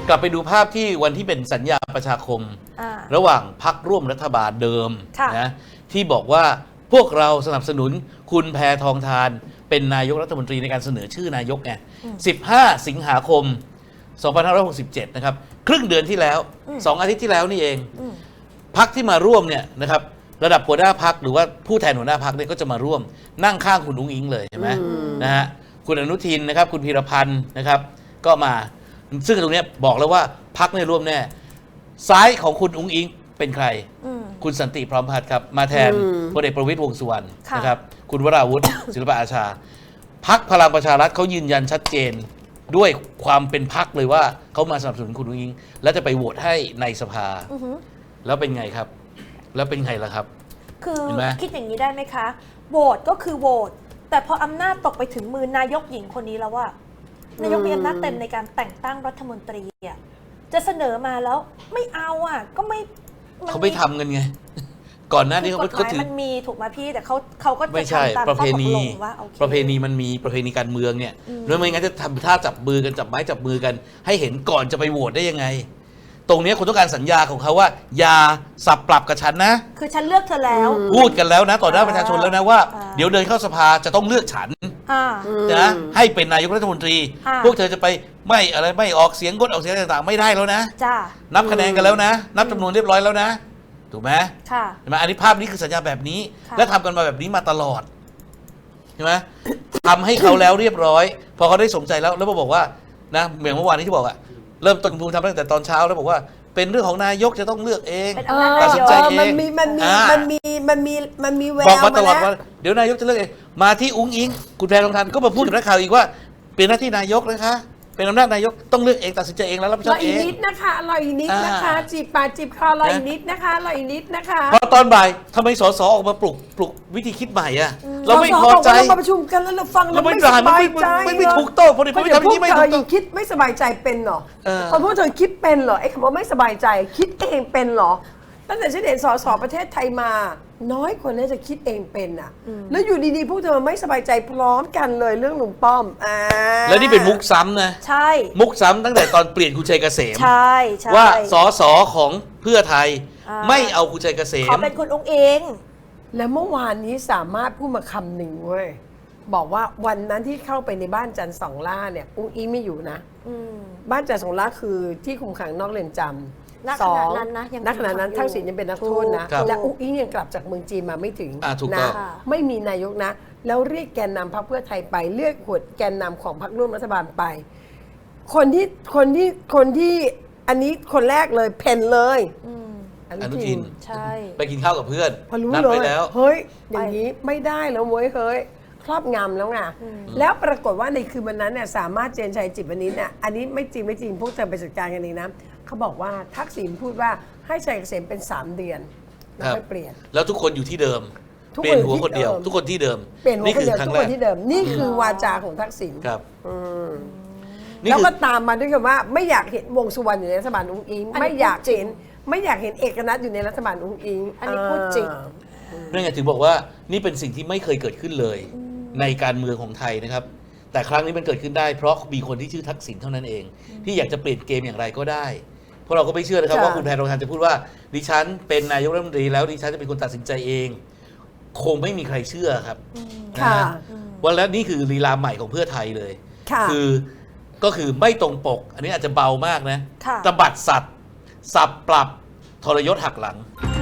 กลับไปดูภาพที่วันที่เป็นสัญญาประชาคมระหว่างพรรคร่วมรัฐบาลเดิมนะที่บอกว่าพวกเราสนับสนุนคุณแพทองธารเป็นนายกรัฐมนตรีในการเสนอชื่อนายกไง15 สิงหาคม 2567 นะครับครึ่งเดือนที่แล้ว2 อาทิตย์ที่แล้วนี่เองพรรคที่มาร่วมเนี่ยนะครับระดับหัวหน้าพรรคหรือว่าผู้แทนหัวหน้าพรรคเนี่ยก็จะมาร่วมนั่งข้างคุณอุ้งอิงเลยใช่ไหมนะฮะคุณอนุทินนะครับคุณพีรพันธ์นะครับก็มาซึ่งตรงนี้บอกแล้วว่าพรรคในร่วมแน่ซ้ายของคุณอุ้งอิงเป็นใครคุณสันติพร้อมพัฒน์ครับมาแทนพลเอกประวิตรวงษ์สุวรรณนะครับคุณวราวุฒิ ศิลปะอาชาพรรคพลังประชารัฐเขายืนยันชัดเจนด้วยความเป็นพรรคเลยว่าเขามาสนับสนุนคุณอุ้งอิงและจะไปโหวตให้ในสภาแล้วเป็นไงครับแล้วเป็นไงล่ะครับคือคิดอย่างนี้ได้ไหมคะโหวตก็คือโหวตแต่พออำนาจตกไปถึงมือนายกหญิงคนนี้แล้วว่านายกมีอำนาจเต็มในการแต่งตั้งรัฐมนตรีจะเสนอมาแล้วไม่เอาก็ไม่เขาไม่ทำกันไงก่อนหน้านี้เขาถือมันมีถูกไหมพี่แต่เขาก็ไม่ใช่ประเพณีประเพณีมันมีประเพณีการเมืองเนี่ยแล้วไม่งั้นจะทำท่าจับมือกันจับไม้จับมือกันให้เห็นก่อนจะไปโหวตได้ยังไงตรงนี้คุณต้องการสัญญาของเขาว่าอย่าสับปรับกับฉันนะคือฉันเลือกเธอแล้วพูดกันแล้วนะต่อหน้าประชาชนแล้วนะว่าเดี๋ยวเดินเข้าสภาจะต้องเลือกฉันนะให้เป็นนายกรัฐมนตรีพวกเธอจะไปไม่อะไรไม่ออกเสียงงดออกเสียงต่างๆไม่ได้แล้วนะนับคะแนนกันแล้วนะนับจำนวนเรียบร้อยแล้วนะถูกไหมใช่ไหมอันนี้ภาพนี้คือสัญญาแบบนี้และทำกันมาแบบนี้มาตลอดใช่ไหมทำให้เขาแล้วเรียบร้อยพอเขาได้สมใจแล้วบอกว่านะเหมือนเมื่อวานนี้ที่บอกเริ่มต้นภูมิทำตั้งแต่ตอนเช้าแล้วบอกว่าเป็นเรื่องของนายกจะต้องเลือกเองตัดสินใจเองมันมีแววบอกมาตลอดว่าเดี๋ยวนายกจะเลือกเองมาที่อุ้งอิงคุณแพทองธารก็มาพูดกับนักข่าวอีกว่าเป็นหน้าที่นายกนะคะเป็นอำนาจนายกต้องเลือกเองตัดสินใจเองแล้วรับผิดชอบเองรออีกนิดนะคะรออีกนิดนะคะจีบปากจีบคอรออีกนิดนะคะรออีกนิดนะคะพอตอนบ่ายทำไมสสออกมาปลุกวิธีคิดใหม่เราไม่พอใจเราประชุมกันแล้วเราฟังเราไม่สบายใจไม่ถูกต้องพอดีไม่ทำอย่างนี้ไม่ถูกต้องคิดไม่สบายใจเป็นหรอพอพวกเธอคิดเป็นเหรอไอ้คำว่าไม่สบายใจคิดเองเป็นเหรอตั้งแต่ฉันเห็นสสประเทศไทยมาน้อยคนน่าจะคิดเองเป็นแล้วอยู่ดีๆพวกเธอไม่สบายใจพร้อมกันเลยเรื่องลุงป้อมแล้วนี่เป็นมุกซ้ำนะใช่มุกซ้ำตั้งแต่ตอนเปลี่ยนคุณชัยเกษมใช่ว่าสสของเพื่อไทยไม่เอาคุณชัยเกษมขอเป็นคุณองค์เองแล้วเมื่อวานนี้สามารถพูดมาคำหนึ่งเว้ยบอกว่าวันนั้นที่เข้าไปในบ้านจันทร์สองล่าเนี่ยอุ้งอิงไม่อยู่นะบ้านจันทร์สองล่าคือที่คุมขังนอกเรือนจำณขณะนั้นนะณขณะนั้นทักษิณยังเป็นนักโทษนะและอุ้งอิงยังกลับจากเมืองจีนมาไม่ถึงนะไม่มีนายกนะแล้วเรียกแกนนำพรรคเพื่อไทยไปเรียกหัวแกนนำของพรรคร่วมรัฐบาลไปคนที่อันนี้คนแรกเลยเพนเลยอนุทินใช่ไปกินข้าวกับเพื่อนพอรู้เลยเฮ้ยอย่างนี้ไม่ได้แล้วเว้ยเฮ้ยครอบงำแล้วไงแล้วปรากฏว่าในคืนวันนั้นเนี่ยสามารถเจนชัยจิตวณิชเนี่ยอันนี้ไม่จริงพวกเธอไปจัดการกันเองนะเขาบอกว่าทักษิณพูดว่าให้ชัยเกษมเป็น3 เดือนแล้วค่อยเปลี่ยนแล้วทุกคนอยู่ที่เดิมเปลี่ยนหัวคนเดียวทุกคนที่เดิมนี่คือครั้งแรกที่เดิมนี่คือวาจาของทักษิณครับแล้วก็ตามมาด้วยคำว่าไม่อยากเห็นวงสุวรรณอยู่ในรัฐบาลอุ้งอิงไม่อยากเห็นเอกนัทอยู่ในรัฐบาลอุ้งอิงอันนี้พูดจริงนั่นไงถึงบอกว่านี่เป็นสิ่งที่ไม่เคยเกิดขึ้นเลยในการเมืองของไทยนะครับแต่ครั้งนี้มันเกิดขึ้นได้เพราะมีคนที่ชื่อทักษิณเท่านั้นเองที่อยากจะเปลี่ยนเกมอย่างไรก็ได้เพราะเราก็ไม่เชื่อนะครับว่าคุณแพทองธารจะพูดว่าดิฉันเป็นนายกรัฐมนตรีแล้วดิฉันจะเป็นคนตัดสินใจเองคงไม่มีใครเชื่อครับวันแล้วนี่คือลีลาใหม่ของเพื่อไทยเลยก็คือไม่ตรงปกอันนี้อาจจะเบามากนะตบัดสัตว์สับปรับทรยศหักหลัง